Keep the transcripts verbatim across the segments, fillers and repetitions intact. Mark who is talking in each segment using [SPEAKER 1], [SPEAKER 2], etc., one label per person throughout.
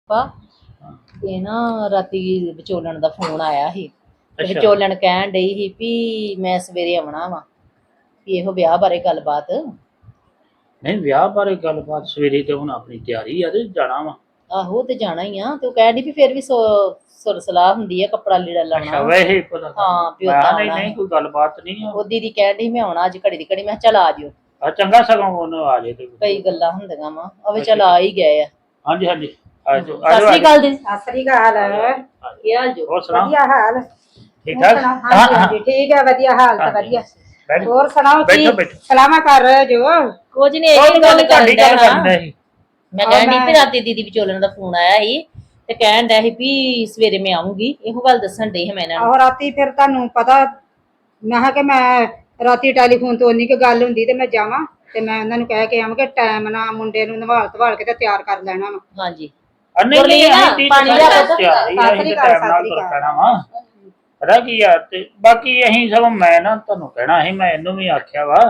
[SPEAKER 1] ਇਹ ਨਾ ਰਾਤੀ ਵਿਚੋਲਣ ਦਾ ਫੋਨ ਆਇਆ ਸੀ ਤੇ ਵਿਚੋਲਣ ਕਹਿਣ ਡਈ ਸੀ ਵੀ ਮੈਂ ਸਵੇਰੇ ਆਉਣਾ ਵਾ ਵੀ ਇਹੋ ਵਿਆਹ ਬਾਰੇ ਗੱਲਬਾਤ।
[SPEAKER 2] ਨਹੀਂ ਵਿਆਹ ਬਾਰੇ ਗੱਲਬਾਤ ਸਵੇਰੇ ਤੇ ਹੁਣ ਆਪਣੀ ਤਿਆਰੀ ਆ ਤੇ ਜਾਣਾ ਵਾ।
[SPEAKER 1] ਆਹੋ ਤੇ ਜਾਣਾ ਹੀ ਆ ਤੇ ਉਹ ਕਹਿਣ ਡਈ ਵੀ ਫਿਰ ਵੀ ਸੁਰ ਸਲਾਹ ਹੁੰਦੀ ਆ ਕੱਪੜਾ ਲੀੜਾ ਲਾਉਣਾ।
[SPEAKER 2] ਅੱਛਾ ਵੈਸੇ ਪਤਾ
[SPEAKER 1] ਹਾਂ ਵੀ
[SPEAKER 2] ਨਹੀਂ ਨਹੀਂ ਕੋਈ ਗੱਲਬਾਤ ਨਹੀਂ।
[SPEAKER 1] ਉਹ ਦੀਦੀ ਕਹਿਣ ਡਈ ਮੈਂ ਆਉਣਾ ਅੱਜ ਘੜੀ ਦੀ ਘੜੀ। ਮੈਂ ਚੱਲ ਆ ਜਿਓ।
[SPEAKER 2] ਆ ਚੰਗਾ ਸਗੋਂ ਉਹਨੂੰ ਆ ਜੇ ਤੇ
[SPEAKER 1] ਕਈ ਗੱਲਾਂ ਹੁੰਦੀਆਂ ਵਾ ਅਵੇ ਚੱਲ ਆ ਹੀ ਗਏ ਆ।
[SPEAKER 2] ਹਾਂਜੀ ਹਾਂਜੀ ਆਜੋ
[SPEAKER 1] ਸਤਿ ਸ੍ਰੀ ਅਕਾਲ ਜੀ।
[SPEAKER 3] ਸਤਿ ਸ੍ਰੀ ਅਕਾਲ।
[SPEAKER 1] ਕੀ ਹਾਲ ਜੋ?
[SPEAKER 2] ਹੋਰ ਸੁਣਾਓ
[SPEAKER 3] ਵਧੀਆ ਹਾਲ
[SPEAKER 2] ਠੀਕ ਠਾਕ?
[SPEAKER 3] ਹਾਂਜੀ ਹਾਂਜੀ ਠੀਕ ਹੈ ਵਧੀਆ ਹਾਲ ਤਾਂ ਵਧੀਆ। ਹੋਰ ਸੁਣਾਓ ਕੀ ਸਲਾਮਾ ਕਰ ਰਹੇ ਜੋ?
[SPEAKER 1] ਕੁਝ ਨਹੀਂ ਇਹ ਗੱਲ
[SPEAKER 2] ਤੁਹਾਡੀ ਗੱਲ ਕਰਦਾ ਸੀ।
[SPEAKER 1] ਮੈਂ ਕਹਿਣ ਡਈ ਵੀ ਰਾਤੀ ਦੀਦੀ ਵਿਚੋਲਣ ਦਾ ਫੋਨ ਆਇਆ ਸੀ ਤੇ ਕਹਿਣ ਡਿਆ ਸੀ ਵੀ ਸਵੇਰੇ ਮੈਂ ਆਉਂਗੀ। ਇਹੋ ਗੱਲ ਦੱਸਣ ਡਈ ਸੀ ਮੈਂ ਇਹਨਾਂ ਨੂੰ।
[SPEAKER 3] ਆਹੋ ਰਾਤੀ ਫਿਰ ਤੁਹਾਨੂੰ ਪਤਾ ਮੈਂ ਕਿਹਾ ਕਿ ਮੈਂ ਰਾਤੀ ਟੈਲੀਫੋਨ ਤੋਂ ਉਨੀ ਕੁ ਗੱਲ ਹੁੰਦੀ ਤੇ ਮੈਂ ਜਾਵਾਂ ਤੇ ਮੈਂ ਉਹਨਾਂ ਨੂੰ ਕਹਿ ਕੇ ਆਵਾਂ ਕਿ ਟਾਈਮ ਨਾਲ ਮੁੰਡੇ ਨੂੰ ਨਵਾਲ ਧਵਾਲ ਕੇ ਤੇ ਤਿਆਰ ਕਰ ਲੈਣਾ ਵਾ।
[SPEAKER 1] ਹਾਂਜੀ
[SPEAKER 2] ਨਹੀਂ ਨਹੀਂ
[SPEAKER 1] ਪਾਣੀ ਲਿਆ ਕੇ
[SPEAKER 3] ਸਾਸਰੀ ਘਰ ਸਾਸਰੀ ਘਰ।
[SPEAKER 2] ਪਤਾ ਕੀ ਆ ਤੇ ਬਾਕੀ ਅਸੀਂ ਸਭ ਮੈਂ ਨਾ ਤੁਹਾਨੂੰ ਕਹਿਣਾ ਸੀ ਮੈਂ ਇਹਨੂੰ ਵੀ ਆਖਿਆ ਵਾ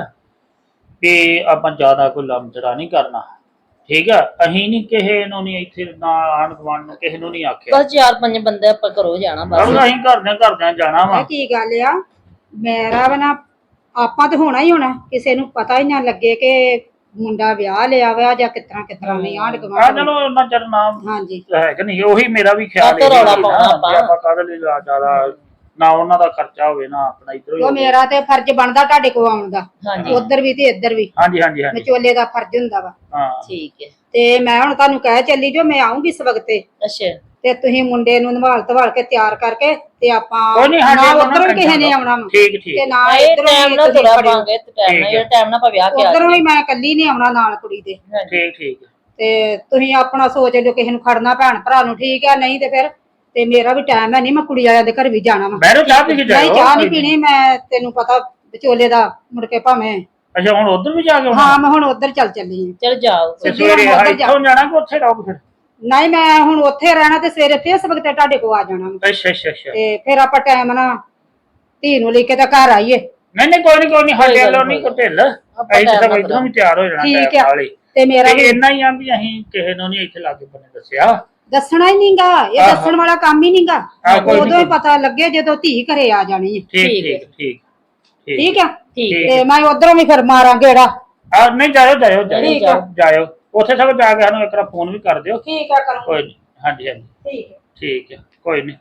[SPEAKER 2] ਵੀ ਆਪਾਂ ਜ਼ਿਆਦਾ ਕੋਈ ਲੰਮਚੜਾ ਨਹੀਂ ਕਰਨਾ ਠੀਕ ਆ। ਅਸੀਂ ਨਹੀਂ ਕਿਸੇ ਨੂੰ ਨਹੀਂ ਇੱਥੇ ਨਾ ਆਣ ਗਵਾਣ ਨੂੰ ਕਿਸੇ ਨੂੰ ਨਹੀਂ ਆਖਿਆ।
[SPEAKER 1] ਬਸ ਚਾਰ ਪੰਜ ਬੰਦੇ ਆਪਾਂ ਘਰੋਂ ਜਾਣਾ ਬਸ।
[SPEAKER 2] ਅਸੀਂ ਘਰਦਿਆਂ ਘਰਦਿਆਂ ਜਾਣਾ ਵਾ।
[SPEAKER 3] ਕੀ ਗੱਲ ਆ ਮੇਰਾ ਵਾ ਨਾ ਆਪਾਂ ਤੇ ਹੋਣਾ ਹੀ ਹੋਣਾ ਕਿਸੇ ਨੂੰ ਪਤਾ ਹੀ ਨਾ ਲੱਗੇ ਕਿ ਮੁੰਡਾ ਵਿਆਹ ਲਿਆ ਵਾ ਜਾਂ ਕਿਤਨਾ ਕਿਤਨਾ ਨਹੀਂ ਆਂਢ ਗੁਆਂਢ।
[SPEAKER 2] ਚਲੋ ਉਹਨਾਂ ਚਿਰ ਨਾਮ
[SPEAKER 3] ਹਾਂਜੀ
[SPEAKER 2] ਹੈ ਕਿ ਨਹੀਂ ਉਹੀ ਮੇਰਾ ਵੀ ਖਿਆਲ ਹੈ ਆਪਾਂ ਕਾਹਦੇ ਲਈ ਜ਼ਿਆਦਾ ਨਾ ਉਹਨਾਂ ਦਾ ਖਰਚਾ ਹੋਵੇ ਨਾ ਆਪਣਾ ਇਧਰ
[SPEAKER 3] ਉਹ ਮੇਰਾ ਤੇ ਫਰਜ਼ ਬਣਦਾ ਤੁਹਾਡੇ ਕੋਲ ਆਉਣ ਦਾ। ਉਧਰ ਵੀ ਤੇ ਇੱਧਰ ਵੀ।
[SPEAKER 2] ਹਾਂਜੀ ਹਾਂਜੀ ਹਾਂਜੀ
[SPEAKER 3] ਵਿਚੋਲੇ ਦਾ ਫਰਜ਼ ਹੁੰਦਾ ਵਾ।
[SPEAKER 2] ਹਾਂ
[SPEAKER 1] ਠੀਕ ਹੈ
[SPEAKER 3] ਤੇ ਮੈਂ ਹੁਣ ਤੁਹਾਨੂੰ ਕਹਿ ਚੱਲੀ ਜੋ ਮੈਂ ਆਉਂਗੀ ਇਸ ਵਕਤੇ।
[SPEAKER 1] ਅੱਛਾ
[SPEAKER 3] ਤੇ ਤੁਸੀਂ ਮੁੰਡੇ ਨੂੰ ਨਵਾਲ ਧਵਾਲ ਕੇ ਤਿਆਰ ਕਰਕੇ ਤੇ ਆਪਾਂ
[SPEAKER 2] ਕੋਈ ਨਹੀਂ
[SPEAKER 3] ਨਾ ਉਧਰੋਂ ਕਿਸੇ ਨੇ ਆਉਣਾ ਵਾ
[SPEAKER 2] ਠੀਕ ਠੀਕ
[SPEAKER 3] ਤੇ ਨਾ
[SPEAKER 1] ਇਹ
[SPEAKER 3] ਇਧਰੋਂ
[SPEAKER 1] ਟਾਈਮ ਨਾਲ ਤੁਰਾ ਪਾਂਗੇ ਤੇ ਟਾਈਮ ਨਾਲ ਜਿਹੜਾ ਟਾਈਮ ਨਾਲ ਆਪਾਂ ਵਿਆਹ ਕੇ ਆ
[SPEAKER 3] ਉਧਰੋਂ ਵੀ ਮੈਂ ਇਕੱਲੀ ਨਹੀਂ ਆਉਣਾ ਨਾਲ ਕੁੜੀ ਦੇ।
[SPEAKER 2] ਠੀਕ ਠੀਕ
[SPEAKER 3] ਤੇ ਤੁਸੀਂ ਆਪਣਾ ਸੋਚ ਲਿਓ ਕਿਸੇ ਨੂੰ ਖੜਨਾ ਭੈਣ ਭਰਾ ਨੂੰ ਠੀਕ ਆ ਨਹੀਂ ਤੇ ਫਿਰ ਤੇ ਮੇਰਾ ਵੀ ਟਾਈਮ ਹੈ ਨਹੀਂ ਮੈਂ ਕੁੜੀ ਵਾਲਿਆਂ ਦੇ ਘਰ ਵੀ ਜਾਣਾ ਵਾ।
[SPEAKER 2] ਮੈਂ ਚਾਹ ਪੀ ਕੇ ਜਾਓ।
[SPEAKER 3] ਨਹੀਂ ਚਾਹ ਨਹੀਂ ਪੀਣੀ ਮੈਂ ਤੈਨੂੰ ਪਤਾ ਵਿਚੋਲੇ ਦਾ ਮੁੜ ਕੇ ਭਾਵੇਂ।
[SPEAKER 2] ਅੱਛਾ ਹੁਣ ਉਧਰ ਵੀ ਜਾ ਕੇ
[SPEAKER 3] ਹਾਂ ਮੈਂ ਹੁਣ ਉਧਰ ਚੱਲ ਚੱਲੀ ਹਾਂ।
[SPEAKER 1] ਚਲ ਜਾਓ
[SPEAKER 2] ਸਵੇਰੇ ਇੱਥੋਂ ਜਾਣਾ ਕਿ ਉੱਥੇ ਰਹੋ ਫਿਰ?
[SPEAKER 3] ਨਹੀਂ ਮੈਂ ਹੁਣ ਉੱਥੇ ਰਹਿਣਾ ਤੇ ਸਵੇਰੇ ਫੇਰ ਇਸ ਵਕਤ ਤੁਹਾਡੇ ਕੋਲ ਆ ਜਾਣਾ।
[SPEAKER 2] ਅੱਛਾ ਅੱਛਾ ਅੱਛਾ
[SPEAKER 3] ਤੇ ਫਿਰ ਆਪਾਂ ਟਾਈਮ ਨਾਲ ਧੀ ਨੂੰ ਲੈ ਕੇ ਤਾਂ ਘਰ ਆਈਏ।
[SPEAKER 2] ਨਹੀਂ ਨਹੀਂ ਕੋਈ ਨਹੀਂ ਕੋਈ ਨਹੀਂ ਸਾਡੇ ਵੱਲੋਂ ਨਹੀਂ ਕੋਈ ਢਿੱਲ ਅਸੀਂ ਤਾਂ ਇਧਰੋਂ ਵੀ ਤਿਆਰ ਹੋ ਜਾਣਾ
[SPEAKER 3] ਠੀਕ ਆ।
[SPEAKER 2] ਤੇ ਮੇਰਾ ਵੀ ਇੰਨਾ ਹੀ ਆ ਵੀ ਅਸੀਂ ਕਿਸੇ ਨੂੰ ਨਹੀਂ ਇੱਥੇ ਲਾਗੇ ਬੰਨੇ ਦੱਸਿਆ।
[SPEAKER 3] ਦੱਸਣਾ ਹੀ ਨਹੀਂਗਾ ਇਹ ਦੱਸਣ ਵਾਲਾ ਕੰਮ ਹੀ ਨਹੀਂਗਾ। ਉਦੋਂ ਹੀ ਪਤਾ ਲੱਗੇ ਜਦੋਂ ਧੀ ਘਰੇ ਆ ਜਾਣੀ ਹੈ।
[SPEAKER 2] ਠੀਕ ਠੀਕ ਠੀਕ
[SPEAKER 3] ਠੀਕ ਆ
[SPEAKER 1] ਠੀਕ
[SPEAKER 3] ਤੇ ਮੈਂ ਉਧਰੋਂ ਵੀ ਫਿਰ ਮਾਰਾਂ ਗੇੜਾ।
[SPEAKER 2] ਆ ਨਹੀਂ ਜਾਇਓ ਜਾਇਓ ਜਾਇਓ ਜਾਇਓ ਉੱਥੇ ਸਭ ਜਾ ਕੇ ਸਾਨੂੰ ਇੱਕ ਵਾਰ ਫੋਨ ਵੀ ਕਰ ਦਿਓ।
[SPEAKER 3] ਠੀਕ ਆ ਕਰੋ
[SPEAKER 2] ਕੋਈ ਨਹੀਂ ਹਾਂਜੀ ਹਾਂਜੀ
[SPEAKER 3] ਠੀਕ ਹੈ
[SPEAKER 2] ਠੀਕ ਹੈ ਕੋਈ ਨਹੀਂ।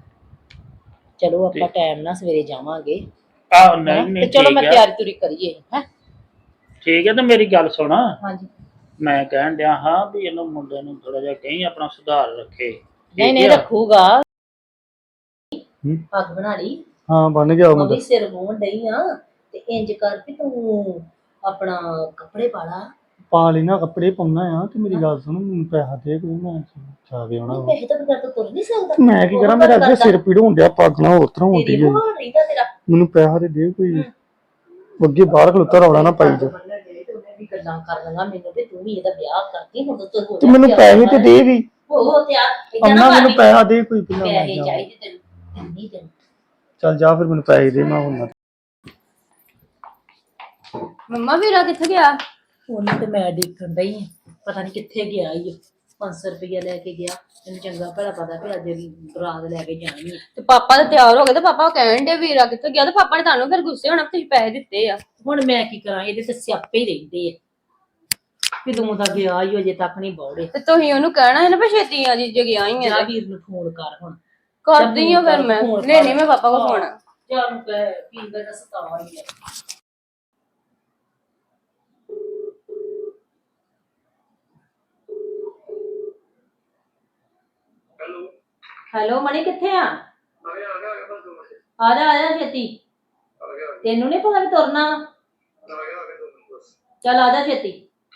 [SPEAKER 1] ਚਲੋ ਆਪਾਂ ਟਾਈਮ ਨਾਲ ਸਵੇਰੇ ਜਾਵਾਂਗੇ।
[SPEAKER 2] ਆਹ ਨਹੀਂ ਨਹੀਂ
[SPEAKER 1] ਤੇ ਚਲੋ ਮੈਂ ਤਿਆਰੀ ਤੁਰੀ ਕਰੀਏ ਹੈ।
[SPEAKER 2] ਠੀਕ ਹੈ ਤੇ ਮੇਰੀ ਗੱਲ ਸੁਣ।
[SPEAKER 1] ਹਾਂਜੀ
[SPEAKER 2] ਮੈਂ ਕਹਿਣ ਡਿਆ ਹਾਂ ਵੀ ਇਹਨੂੰ ਮੁੰਡੇ ਨੂੰ ਥੋੜਾ ਜਿਹਾ ਕਹੀਂ ਆਪਣਾ ਸੁਧਾਰ ਰੱਖੇ।
[SPEAKER 1] ਨਹੀਂ ਨਹੀਂ ਰੱਖੂਗਾ। ਪੱਗ ਬਣਾ ਲਈ?
[SPEAKER 4] ਹਾਂ ਬਣ ਗਿਆ ਮੁੰਡਾ।
[SPEAKER 1] ਉਹਦੀ ਸਿਰ ਮੂੰਹ ਡਈ ਆ ਤੇ ਇੰਜ ਕਰ ਵੀ ਤੂੰ ਆਪਣਾ ਕੱਪੜੇ ਪਾ ਲਾ।
[SPEAKER 4] ਪਾ ਲੈਣਾ ਕੱਪੜੇ ਪਾਉਣਾ ਆ ਤੇ ਮੇਰੀ ਗੱਲ ਸੁਣ ਮੈਨੂੰ ਪੈਸਾ ਦੇ ਕੋਈ ਮੈਂ ਚਾਵੇ ਆਉਣਾ।
[SPEAKER 1] ਪੈਸੇ ਤਾਂ ਬਗੈਰ ਤਾਂ ਤੁਰ ਨਹੀਂ ਸਕਦਾ।
[SPEAKER 4] ਮੈਂ ਕੀ ਕਰਾਂ ਮੇਰਾ ਅੱਗੇ ਸਿਰ ਪੀੜ ਹੁੰਦਿਆ ਪੱਗ ਨਾਲ ਉਤਰ ਹੁੰਦੀ ਹੈ। ਮੈਨੂੰ ਪੈਸਾ ਦੇ ਦੇ ਕੋਈ ਅੱਗੇ ਬਾਹਰ ਖਲੋਤਾ ਰੌਲਾ ਨਾ ਪਾਈ ਜਾ।
[SPEAKER 1] ਗੱਲਾਂ ਕਰ ਲੰਗਾ ਮੈਨੂੰ ਤੇ ਤੂੰ ਵੀ ਇਹਦਾ ਵਿਆਹ ਕਰਦੀ ਹੁਣ ਤੂੰ ਹੋ
[SPEAKER 4] ਜਾ। ਤੂੰ ਮੈਨੂੰ ਪੈਸੇ ਤੇ ਦੇ ਵੀ
[SPEAKER 1] ਉਹ ਤਿਆਰ
[SPEAKER 4] ਅੰਨਾ ਮੈਨੂੰ ਪੈਸਾ ਦੇ ਕੋਈ ਪਹਿਲਾਂ।
[SPEAKER 1] ਪੈਸੇ ਚਾਹੀਦੇ ਤੈਨੂੰ ਨਹੀਂ ਤੈਨੂੰ।
[SPEAKER 4] ਚੱਲ ਜਾ ਫਿਰ ਮੈਨੂੰ ਪੈਸੇ ਦੇ ਮੈਂ ਹੁਣ।
[SPEAKER 5] ਮੰਮਾ ਵੀਰਾ ਕਿੱਥੇ ਗਿਆ?
[SPEAKER 1] ਉਹਨੂੰ ਤੇ ਮੈਂ ਦੇਖਣ ਡਈ ਆ ਪਤਾ ਨਹੀਂ ਕਿੱਥੇ ਗਿਆ ਈ। ਪੰਜ ਸੌ ਰੁਪਇਆ ਲੈ ਕੇ ਗਿਆ। ਮੈਨੂੰ ਚੰਗਾ ਭਲਾ ਪਤਾ ਵੀ ਅੱਜ ਬਰਾਤ ਲੈ ਕੇ ਜਾਣੀ।
[SPEAKER 5] ਤੇ ਪਾਪਾ ਤਾਂ ਤਿਆਰ ਹੋ ਗਏ ਤੇ ਪਾਪਾ ਕਹਿਣ ਦੇ ਵੀਰਾ ਕਿੱਥੇ ਗਿਆ ਤੇ ਪਾਪਾ ਨੇ ਤੁਹਾਨੂੰ ਫਿਰ ਗੁੱਸੇ ਹੋਣਾ ਤੁਸੀਂ ਪੈਸੇ ਦਿੱਤੇ ਆ।
[SPEAKER 1] ਹੁਣ ਮੈਂ ਕੀ ਕਰਾਂ ਇਹਦੇ ਤੇ ਸਿਆਪੇ ਹੀ ਰਹਿੰਦੇ ਆ ਕਿ ਤੂੰ ਤਾਂ ਗਿਆ ਹੀ ਅਜੇ ਤੱਕ ਨਹੀਂ ਬੌੜੇ।
[SPEAKER 5] ਤੇ ਤੁਸੀਂ ਉਹਨੂੰ ਕਹਿਣਾ ਹੈ ਨਾ ਵੀ ਛੇਤੀ ਆ ਜੀ ਜੇ ਗਿਆ ਹੀ ਆ।
[SPEAKER 1] ਵੀਰ ਨੂੰ ਫੋਨ ਕਰ ਹੁਣ।
[SPEAKER 5] ਕਰਦੀ ਆ ਫਿਰ ਮੈਂ ਲੈਣੀ ਮੈਂ ਪਾਪਾ ਕੋਲ ਫੋਨ।
[SPEAKER 1] ਚੱਲ ਕਹਿ ਪੀ ਦਾ ਸਤਾਵਾ ਹੀ ਆ। ਹੈਲੋ ਮਣੀ ਕਿੱਥੇ ਆ? ਆ ਜਾ ਆ ਜਾ ਛੇਤੀ। ਤੈਨੂੰ ਨਹੀਂ ਪਤਾ ਵੀ ਤੁਰਨਾ? ਚੱਲ ਆ ਜਾ ਛੇਤੀ।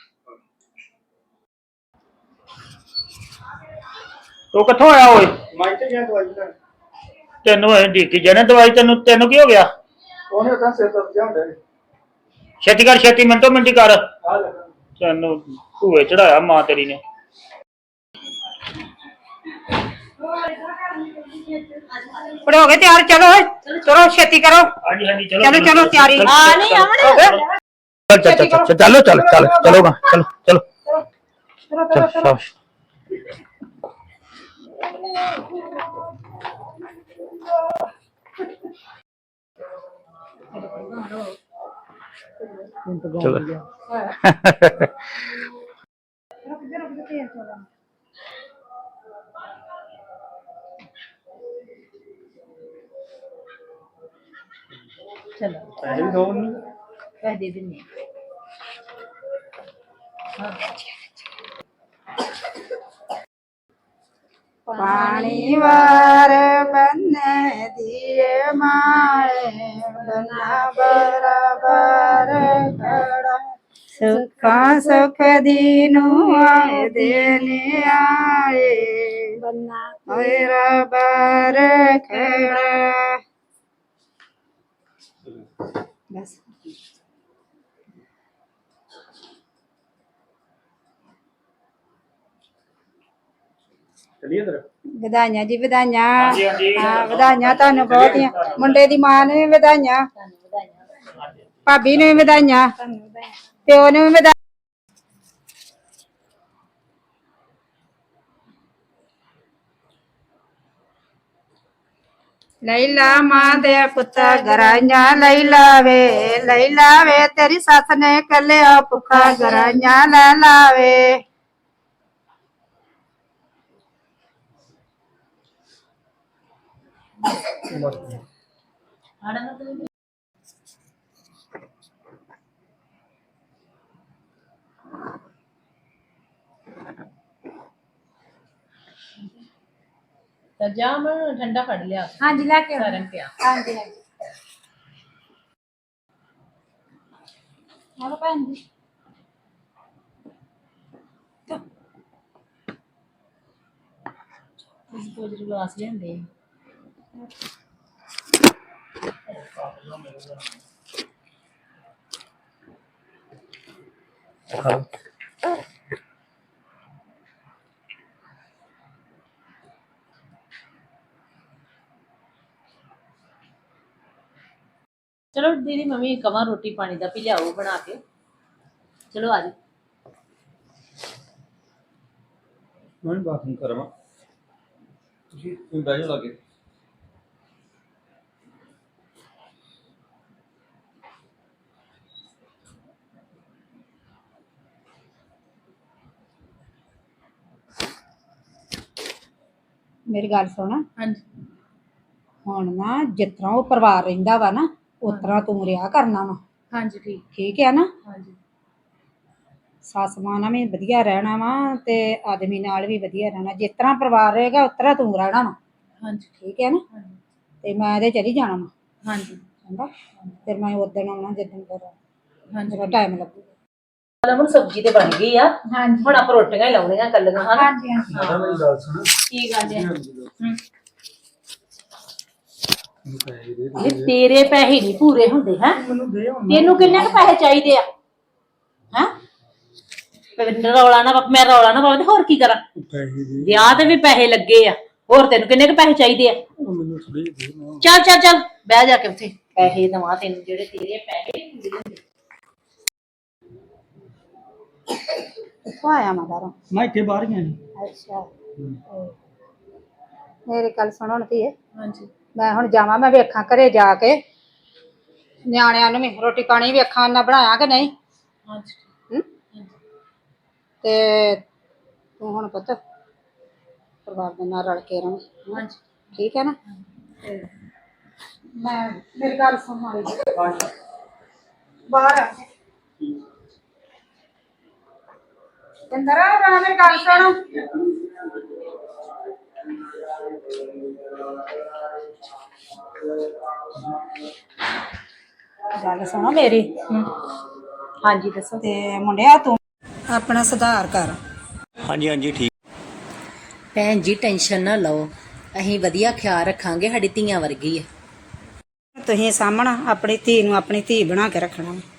[SPEAKER 2] ਤੂੰ ਕਿੱਥੋਂ ਆਇਆ ਓਏ?
[SPEAKER 4] ਮੈਂ ਤੇ ਗਿਆ ਦਵਾਈ ਲੈਣ।
[SPEAKER 2] ਤੈਨੂੰ ਐ ਢੀਕੀ ਜਾਣੇ ਦਵਾਈ ਤੈਨੂੰ ਤੈਨੂੰ ਕੀ ਹੋ ਗਿਆ?
[SPEAKER 4] ਉਹਨੇ ਤਾਂ ਸਿਰ ਦਰਦ ਜਾਂਦਾ ਹੈ।
[SPEAKER 2] ਛੇਤੀ ਕਰ ਛੇਤੀ ਮਿੰਟੋ ਮਿੰਟੀ ਕਰ।
[SPEAKER 4] ਆ ਲੈ
[SPEAKER 2] ਤੈਨੂੰ ਭੂਏ ਚੜਾਇਆ ਮਾਂ ਤੇਰੀ ਨੇ।
[SPEAKER 3] ਹੋ ਗਏ ਤਿਆਰ ਚਲੋ ਚਲੋ ਛੇਤੀ ਕਰੋ।
[SPEAKER 2] ਹਾਂਜੀ ਹਾਂਜੀ ਚਲੋ
[SPEAKER 3] ਚਲੋ ਚਲੋ ਤਿਆਰੀ
[SPEAKER 1] ਆ ਨਹੀਂ ਆਵਣ।
[SPEAKER 2] ਚੱਲ ਚੱਲ ਚੱਲ ਚਲੋ ਚਲ ਚਲ ਚਲੋਗਾ ਚਲੋ ਚਲੋ
[SPEAKER 3] ਚਲੋ ਚਲੋ
[SPEAKER 2] ਚਲ ਚਲੋ
[SPEAKER 1] ਚਲੋ
[SPEAKER 4] ਪੈਸੇ ਵੀ ਦੋ ਨਹੀਂ
[SPEAKER 1] ਪੈਸੇ ਦੇ ਦਿੰਨੇ
[SPEAKER 3] ਪਾਣੀ ਵਾਰ ਬੰਨੇ ਦੀਏ ਮਾਏ ਬੰਨਾ ਬਰਾਬਰ ਖੜਾ ਸੁੱਖਾਂ ਸੁਖ ਦੀ ਨੂੰ ਆਏ ਦੇਨੇ ਆਏ ਬੰਨਾ ਬਰਾਬਰ ਖੜਾ ਬਸ
[SPEAKER 4] ਚਲਿਏ ਫਿਰ
[SPEAKER 3] ਵਧਾਈਆਂ ਜੀ ਵਧਾਈਆਂ
[SPEAKER 2] ਹਾਂਜੀ, ਹਾਂਜੀ।
[SPEAKER 3] ਹਾਂ ਵਧਾਈਆਂ ਤੁਹਾਨੂੰ ਬਹੁਤੀਆਂ ਮੁੰਡੇ ਦੀ ਮਾਂ ਨੂੰ ਵੀ ਵਧਾਈਆਂ ਭਾਬੀ ਨੂੰ ਵੀ ਵਧਾਈਆਂ ਪਿਓ ਨੂੰ ਵੀ ਵਧਾਈਆਂ ਲੈਲਾ ਮਾਂ ਦੇ ਪੁੱਤਾਂ ਗਰਾਈਆਂ ਲੈਲਾ ਵੇ ਲੈਲਾ ਵੇ ਤੇਰੀ ਸੱਸ ਨੇ ਕੱਲਿਆ ਭੁੱਖਾ ਗਰਾਈਆਂ ਲੈ ਲਾਵੇ
[SPEAKER 1] ਤਾਂ ਜਾ ਮੈਂ ਠੰਡਾ ਫੜ ਲਿਆ
[SPEAKER 3] ਹਾਂਜੀ ਲੈ ਕੇ
[SPEAKER 1] ਸਾਰਨ ਪਿਆ
[SPEAKER 3] ਹਾਂਜੀ ਹਾਂਜੀ ਆਲੋ ਭੈਣ ਜੀ
[SPEAKER 1] ਇਸ ਕੋਲ ਗਲਾਸ ਲਿਆਂਦੇ ਚਲੋ ਦੀਦੀ ਮੰਮੀ ਕਵਾਂ ਰੋਟੀ ਪਾਣੀ ਦਾ ਵੀ ਲਿਆਓ ਬਣਾ ਕੇ ਚਲੋ ਆ ਜੀ
[SPEAKER 4] ਮੈਂ ਬਾਥਰੂਮ ਕਰਾਂਗਾ ਤੁਸੀਂ ਤੁਸੀਂ ਬਹਿ ਜਾਓ ਲਾਗੇ
[SPEAKER 3] ਮੇਰੀ ਗੱਲ ਸੁਣ
[SPEAKER 1] ਹਾਂਜੀ
[SPEAKER 3] ਹੁਣ ਨਾ ਜਿਸ ਤਰ੍ਹਾਂ ਉਹ ਪਰਿਵਾਰ ਰਹਿੰਦਾ ਵਾ ਨਾ ਉਸ ਤਰ੍ਹਾਂ ਤੂੰ ਰਿਹਾ ਕਰਨਾ ਵਾ
[SPEAKER 1] ਹਾਂਜੀ ਠੀਕ
[SPEAKER 3] ਠੀਕ ਹੈ ਨਾ
[SPEAKER 1] ਹਾਂਜੀ
[SPEAKER 3] ਸੱਸ ਮਾਂ ਨਾਲ ਵੀ ਵਧੀਆ ਰਹਿਣਾ ਵਾ ਤੇ ਆਦਮੀ ਨਾਲ ਵੀ ਵਧੀਆ ਰਹਿਣਾ ਜਿਸ ਤਰ੍ਹਾਂ ਪਰਿਵਾਰ ਰਹੇਗਾ ਉਸ ਤਰ੍ਹਾਂ ਤੂੰ ਰਹਿਣਾ ਵਾ
[SPEAKER 1] ਹਾਂਜੀ
[SPEAKER 3] ਠੀਕ ਹੈ ਨਾ
[SPEAKER 1] ਹਾਂਜੀ
[SPEAKER 3] ਤੇ ਮੈਂ ਇਹਦੇ ਚਲੀ ਜਾਣਾ ਵਾ
[SPEAKER 1] ਹਾਂਜੀ
[SPEAKER 3] ਚੰਗਾ ਫਿਰ ਮੈਂ ਉਦੋਂ ਆਉਣਾ ਜਿੱਦਣ ਫਿਰ
[SPEAKER 1] ਹਾਂਜੀ
[SPEAKER 3] ਮੇਰਾ ਟਾਈਮ ਲੱਗੂਗਾ
[SPEAKER 1] ਹੁਣ ਸਬਜ਼ੀ ਤੇ ਬਣ ਗਈ ਆ
[SPEAKER 3] ਹਾਂਜੀ
[SPEAKER 1] ਹੁਣ ਆਪਾਂ ਰੋਟੀਆਂ ਹੀ ਲਾਉਣੀਆਂ ਕੱਲੀਆਂ ਹਨ
[SPEAKER 3] ਹਾਂਜੀ ਹਾਂਜੀ
[SPEAKER 4] ਮਾਤਾ ਮੇਰੀ ਗੱਲ ਸੁਣ
[SPEAKER 1] ਕੀ ਗੱਲ ਹੈ
[SPEAKER 4] ਮੈਨੂੰ ਪੈਸੇ ਦੇ
[SPEAKER 1] ਇਹ ਤੇਰੇ ਪੈਸੇ ਨਹੀਂ ਪੂਰੇ ਹੁੰਦੇ ਹੈ
[SPEAKER 4] ਮੈਨੂੰ ਦੇ ਹੁਣ
[SPEAKER 1] ਤੈਨੂੰ ਕਿੰਨੇ ਕੁ ਪੈਸੇ ਚਾਹੀਦੇ ਆ ਹੈ ਰੌਲਾ ਨਾ ਪਾ- ਮੈਂ ਰੌਲਾ ਨਾ ਪਾਵਾਂ ਤੇ ਹੋਰ ਕੀ ਕਰਾਂ
[SPEAKER 4] ਪੈਸੇ ਦੇ
[SPEAKER 1] ਵਿਆਹ ਤੇ ਵੀ ਪੈਸੇ ਲੱਗੇ ਆ ਹੋਰ ਤੈਨੂੰ ਕਿੰਨੇ ਕੁ ਪੈਸੇ ਚਾਹੀਦੇ ਆ
[SPEAKER 4] ਮੈਨੂੰ ਥੋੜੇ ਦੇ ਨਾ
[SPEAKER 1] ਚੱਲ ਚੱਲ ਚੱਲ ਬਹਿ ਜਾ ਕੇ ਉੱਥੇ ਪੈਸੇ ਦਵਾ ਤੈਨੂੰ ਜਿਹੜੇ ਤੇਰੇ ਪੈਸੇ ਨੀ ਪੂਰੇ ਹੁੰਦੇ
[SPEAKER 3] ਕਿੱਥੋਂ ਆਇਆ ਮੈਂ ਬਾਹਰੋਂ
[SPEAKER 4] ਮੈਂ ਇੱਥੇ ਬਾਹਰ ਗਿਆ ਸੀ
[SPEAKER 3] ਅੱਛਾ ਮੇਰੀ ਗੱਲ ਸੁਣੋ ਨਾ ਧੀਏ
[SPEAKER 1] ਹਾਂਜੀ
[SPEAKER 3] ਮੈਂ ਹੁਣ ਜਾਵਾਂ ਮੈਂ ਵੇਖਾਂ ਘਰੇ ਜਾ ਕੇ ਨਿਆਣਿਆਂ ਨੂੰ ਵੀ ਰੋਟੀ ਪਾਣੀ ਵੇਖਾਂ ਨਾ ਬਣਾਇਆ ਕਿ ਨਹੀਂ
[SPEAKER 1] ਹਾਂਜੀ
[SPEAKER 3] ਹਮ? ਤੇ ਤੂੰ ਹੁਣ ਪੁੱਤ ਪਰਿਵਾਰ ਦੇ ਨਾਲ ਰਲ ਕੇ ਰਹੀਂ
[SPEAKER 1] ਹਾਂਜੀ
[SPEAKER 3] ਠੀਕ ਹੈ ਨਾ ਤੇ ਮੈਂ ਮੇਰੀ ਗੱਲ ਸੁਣ ਮਾਰੀ ਬਾਹਰ ਆ ਇੰਦਰ ਆ ਮੇਰੀ ਗੱਲ ਸੁਣ ਗੱਲ ਸੁਣੋ ਮੇਰੀ
[SPEAKER 1] ਹਾਂਜੀ ਦੱਸੋ
[SPEAKER 3] ਤੇ ਮੁੰਡਿਆ ਤੂੰ ਆਪਣਾ ਸੁਧਾਰ ਕਰ
[SPEAKER 6] ਹਾਂਜੀ ਹਾਂਜੀ ਠੀਕ
[SPEAKER 1] ਭੈਣ ਜੀ ਟੈਨਸ਼ਨ ਨਾ ਲਓ ਅਸੀਂ ਵਧੀਆ ਖਿਆਲ ਰੱਖਾਂਗੇ ਸਾਡੀ ਧੀਆਂ ਵਰਗੀ ਆ
[SPEAKER 3] ਤੁਸੀਂ ਸਾਹਮਣਾ ਆਪਣੀ ਧੀ ਨੂੰ ਆਪਣੀ ਧੀ ਬਣਾ ਕੇ ਰੱਖਣਾ